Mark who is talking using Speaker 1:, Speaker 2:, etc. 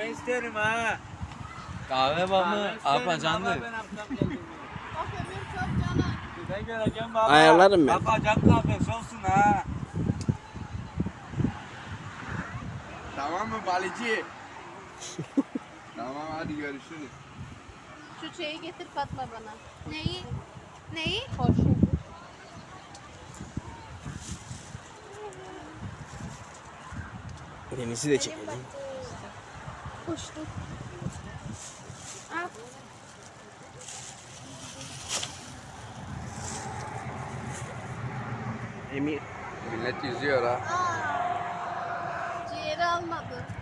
Speaker 1: kahve isterim ha.
Speaker 2: Kahve var mı? Apa canlı.
Speaker 1: Ben akşam geldim.
Speaker 3: Bak ömür çok canım.
Speaker 1: Ben geleceğim baba.
Speaker 4: Ayarlarım ben.
Speaker 1: Baba can kahvesi olsun ha.
Speaker 5: Tamam mı balıcı? Tamam hadi görüşürüz.
Speaker 3: Şu şeyi getir Fatma bana.
Speaker 6: Neyi? Neyi?
Speaker 3: Porsche.
Speaker 4: Deniz'i de çekelim.
Speaker 6: Uçtu. Al.
Speaker 4: Emir.
Speaker 5: Millet yüzüyor ha.
Speaker 3: Ciğeri almadı.